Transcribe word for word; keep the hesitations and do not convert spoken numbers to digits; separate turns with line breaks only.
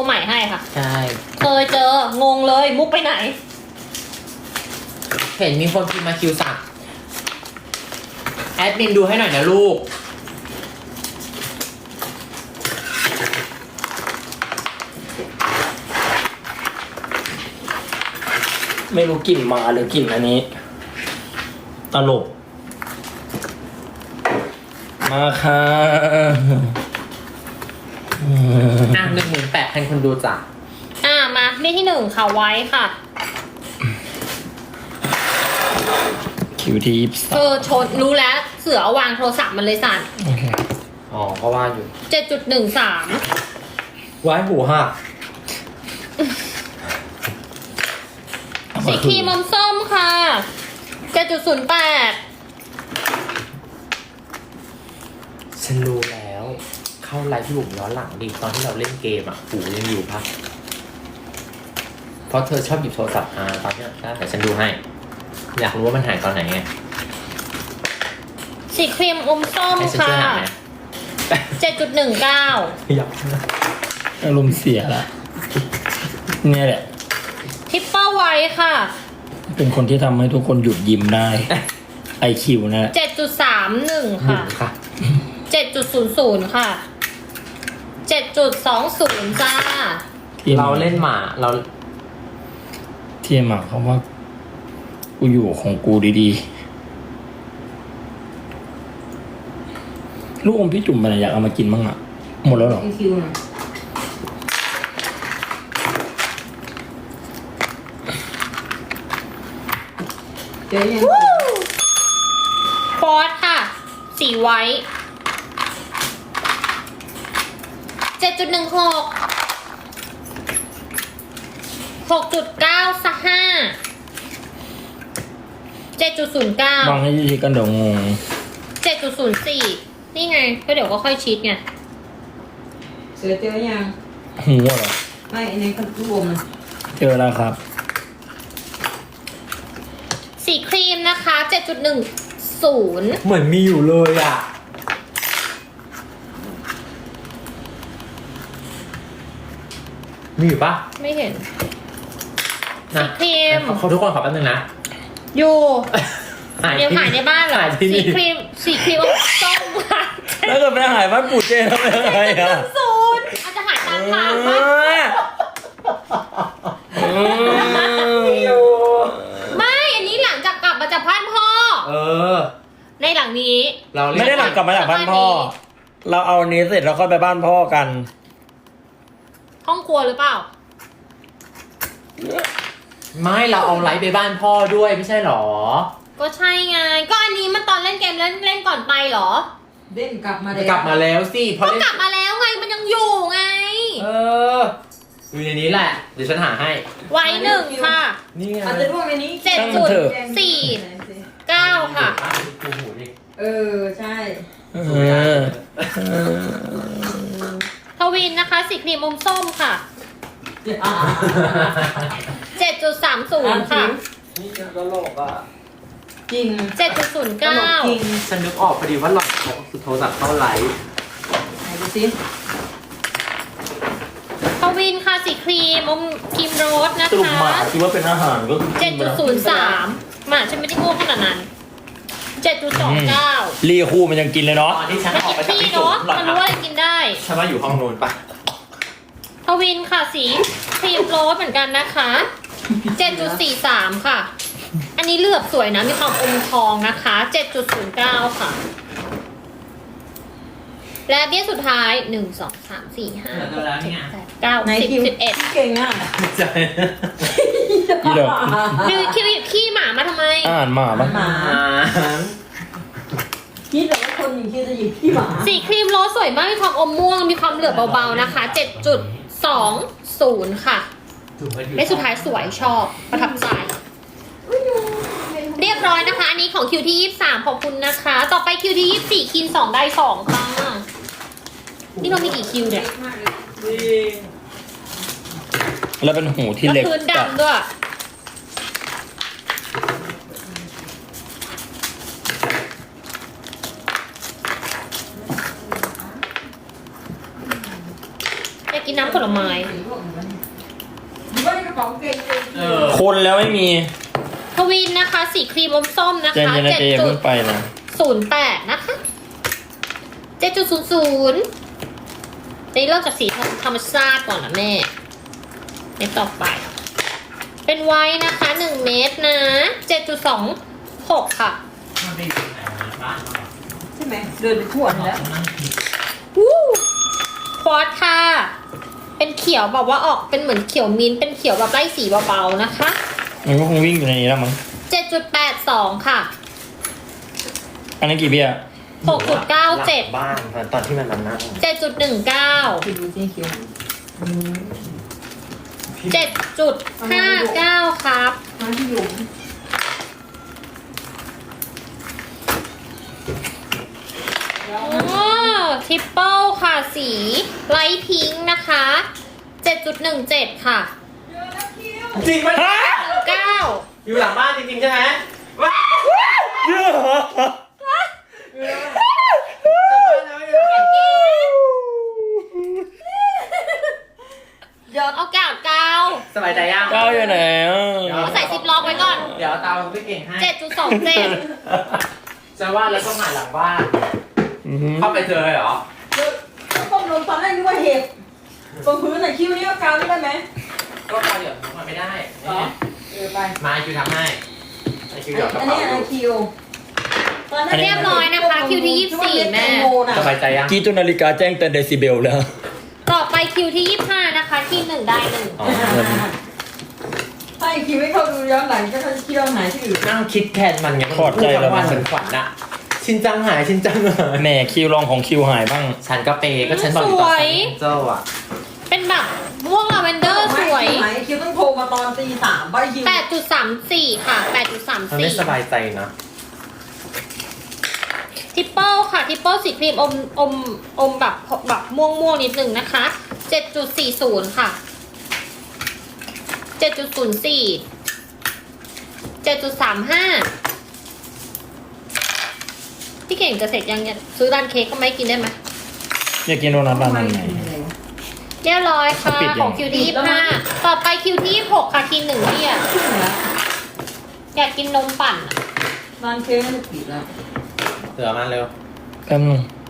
ใหม่ให้ค่ะ
ใช่
เคยเจองงเลยมุกไปไหน
เห็นมีคนพิมพ์มาคิวสั่งแอดมินดูให้หน่อยนะลูก
ไม่รู้กลิ่นหมาหรือกลิ่นอันนี้ตลกมาค่ะ
อ่ะหนึ่งหมื่นแปดพันคนดูจ้ะ
อ่ามานี่ที่หนึ่งค่ะไว้ค่ะ
คิวที่ยี่สิบ
เออชนรู้แล้วเสือเอาวางโทรศัพท์มันเลยสั่น
โอเค
อ๋อก็ว่าอยู่
เจ็ดจุดหนึ่งสาม
ไว้หูหัก
สีครีมอมส้มค่ะเจ็ดจุดศูนย์แปด
ฉันรู้แล้วเข้าไลฟ์พี่บุ๋มย้อนหลังดิตอนที่เราเล่นเกมอ่ะหูยังอยู่ปะเพราะเธอชอบหยิบโทรศัพท์มาตอนนี้ได้แต่ฉันดูให้อยากรู้ว่ามันหายตอนไหนไง
สีครีมอมส้มค่ะเจ็ดจุดหนึ่งเก้า
อยาก
อารมณ์เสียละเนี่ยแหละ
ทิปเปอร์ไว้ค่ะ
เป็นคนที่ทำให้ทุกคนหยุดยิ้มได้ไอคิวนะ
เจ็ดจุดสามหนึ่งค่ะเจ็ดจุดศูนย์ศูนย์ค่ะเจ็ดจุดสองศูนย์จ้า
เราเล่นหมาเรา
เทียมหมาเขาว่ากูอยู่ของกูดีๆลูกอมพี่จุ่มมันอยากเอามากินบ้างอ่ะหมดแล้วหรอ
เจ๊ยังฟอสค่ะสีไว้เจ็ดจุดหนึ่งหกหกจุดเก้าสักห้าเจ็ดจุดศูนย์เก้า
บางให้ชี้กันเดี๋ยวงง
เจ็ดจุดศูนย์สี่นี่ไงก็เดี๋ยวก็ค่อยชิดไง
เสือเจอยัง
หัวเหรอ
ไม่ในกระปุกมัน
เจอแล้วครับ
สีครีมนะคะเจ็ดจุดหนึ่งศูนย์
เหมือนมีอยู่เลยอ่ะมีอยู่ปะ
ไม่เห็นสีครีม
ขอทุกคนขอแป๊บนึงนะ
อยู่เดี๋ยวหายในบ้านเหรอสีครีมสีครีมส้มค่ะ
แล้วก็ไปหายบ้านปู่เจทำยังไงอ่ะ
ศูนย์อาจจะหายตามทางปะไม่อันนี้หลังจากกลับมาจากบ้านพ่อ
เออ
ในหลังนี้
เราไม่ได้หลังกลับมาจากบ้านพ่อเราเอาอันนี้เสร็จเราค่อยไปบ้านพ่อกัน
ห้องครัวหรือเปล่า
ไม่เราเอาไลฟ์ไปบ้านพ่อด้วยไม่ใช่หรอ
ก็ใช่ไงก็อันนี้มันตอนเล่นเกมเล่นเล่นก่อนไปหรอ
เล่นกลับมา
แล้วกลับมาแล้วสิ
พอก็กลับมาแล้วไงมันยังอยู่ไง
เอออยู่ในนี้แหละเดี๋ยวฉันหาให้
ไว้หนึ่งค่ะ
นี่ไง
อาจจะร่วงในนี้
เจ็ดจุดสี่เก้าค่ะ
เออใช่
เออ
ทวินนะคะสีครีมอมส้มค่ะเจ็ดจุดสามศูนย์ค่ะ
นี่ตลกอ่ะ
จริง
เจ็ดจุดศูนย์เก้า
จริงฉันนึกออกพอดีว่าหล่อนเขาสุดโทรศัพท์เข้าไลฟ์
ไหนดูสิ
ทวินค่ะสีครีมอมครีมโรสนะคะ
สรุปหมาคิดว่าเป็นอาหารก็
เจ็ดจุดศูนย์สามหมาฉันไม่ได้โง่ขนาดนั้นเจ็ดจุดสองเก้า
รีคู่มันยังกินเลยเนาะ
ตอนที่ฉันออกไปจาก
พี่เนาะมันรู้ว่าอะไรกินได้
ฉันว่าอยู่ห้องนู้นปะ
ทวินค่ะสีครีมโรสเหมือนกันนะคะเจ็ดจุดสี่สามค่ะอันนี้เลือบสวยนะมีความอมทองนะคะเจ็ดจุดศูนย์เก้าค่ะและเบี้ยสุดท้ายหนึ่งสองสามสี่ห้าหกเจ็ดแปดเก้าสิบสิบเอ็ด
เก่งอ่ะ
ใจ
นี่เด้อ
ดูคิวขี้หมามาทำไม
อ่านหมาบ้าง
หมาคิดแต่ว่าคนอย่างคิดจะหยิบขี้หมา
สีครีมโรสสวยมากมีความอมม่วงมีความเหลือบเบาๆนะคะเจ็ดจุดสองศูนย์ค่ะและสุดท้ายสวยชอบประทับใจเรียบร้อยนะคะอันนี้ของคิวที่ยี่สิบสามขอบคุณนะคะต่อไปคิวที่ยี่สิบสี่คินสองได้สองค่ะนี่เรามีกี่คิวเนี่ย
แล้วเป็นหูที่เล็ก
พื้นดำด้วยอยากกินน้ำำผลไม้
หรือว่าในกระเป๋ากางเกงเอง
เออ
คนแล้วไม่มี
ทวินนะคะ สีครีมอมส้มนะ
เจน
คะ
เจน
เจ็ด
เจ
จุ
เพิ่
ด
งไปนะ
ศูนย์แปดนะคะเจ็ดจุดศูนย์ศูนย์นี่เริ่มจากสีธรรมชาติก่อนนะแม่เม็ดต่อไป เป็นไว้นะคะหนึ่งเม็ดนะเจ็ดจุดสองหกค่ะ
มันไปอยู่ไหนวะบ้านเราอะ
ใช่ไหมเดินไปทั่วแล้ว
นั่งคิด
วู้ควอตค่ะ เป็นเขียวแบบว่าออกเป็นเหมือนเขียวมิ้นท์เป็นเขียวแบบไล่สีเบาๆนะคะ
มันก็คงวิ่งอยู่ในนี้แล้วมั้ง
เจ็ดจุดแปดสองค่ะ
อันนี้กี่เบี้ย
หกจุดเก้าเจ็ด
หลังบ้านตอนที่มันมานั่ง
เจ็ดจุดหนึ่งเก้า
ไปดูสีเขียวอืม
เจ็ดจุดห้าเก้าครับ
มาที่อยู่
โอ้ทิปเปิลค่ะสีไลท์พิงค์นะคะ เจ็ดจุดหนึ่งเจ็ดค่ะ
จริงไหม
เก้า
อยู่หลังบ้านจริงๆใช่ไหมว้าว
เยอะเหรอ
ยอด
เอากาดเก้า
สบายใจยัง
ก้าวอยู่ไหนอ่ะ
เอาใส่ซิปล็อกไว้ก่อน
เดี๋ยวตามพี่เก่งให้
เจ็ดจุดสองเจ็ด
จะว่าแล้วต้องหาหลังบ้าน
อือหือ
เข้าไปเจอเลยเหรอ
แล้วต้มลมตอนแรกนึกว่าเห็บตรงพื้นไหนคิ้วนี่ก็กาวนี่ได้ไหม
ก็พอเดี๋ยวมันไม่ได้
เหรอเออไป
มาไอคิวทำให้ไอคิวหยอดกระ
อัน
เป๋า
นี้
อ
อัน
ยู่
คิวตอนนั้น
เรียบร้อยนะคะ คิวที่ยี่สิบสี่แม่
สบายใจยัง
กี่ตัวนาฬิกาแจ้งแต่เดซิเบลแล้ว
ต่อไปคิวที่ยี่สิบห้านะคะที่หนึ่งได้หนึ่ง
อ๋อ
ถ้าไอคิวไม่เข้าดูย้อนหลังก็จะคิดว่าหายที่อื่น
นั่งคิดแทนมันไง
ถอดใจแล้ว
วันฉันฝันอะชินจังหายชินจังหาย
แหม่คิวรองของคิวหายบ้าง
ฉันก็เปย์ก็ฉันบอกอยู่ตอนฉันเจ้าอะ
เป็นแบบม่วงลาเวนเดอร์สวย
หายคิวต้องโทรมาตอนตีสามใบคิว
แปดจุดสามสี่ค่ะแปดจุดสาม
มัน
สี่
ไม่สบายใจนะ
ทิปเปิลค่ะทิปเปิลสีครีมอมอมอมแบบแบบม่วงม่วงๆนิดนึงนะคะเจ็ดจุดสี่ศูนย์ค่ะเจ็ดจุดศูนย์สี่เจ็ดจุดสามห้าพี่เก่งจะเสร็จยังเนี่ยซื้อร้านเค้กก็ไม่กินได้ไหม
อยากกินโดนัทร้านนั้นไหน
เรียบร้อยค่ะ
ปิดยัง
ของคิวที่ยี่สิบห้าต่อไปคิวที่ยี่สิบหกค่ะทีหนึ่งเนี่ยอยากกินนมปั่นอะ
ร้านเค้กมันจะปิดแล้ว
เสือมาเร็ว
แป๊บนึง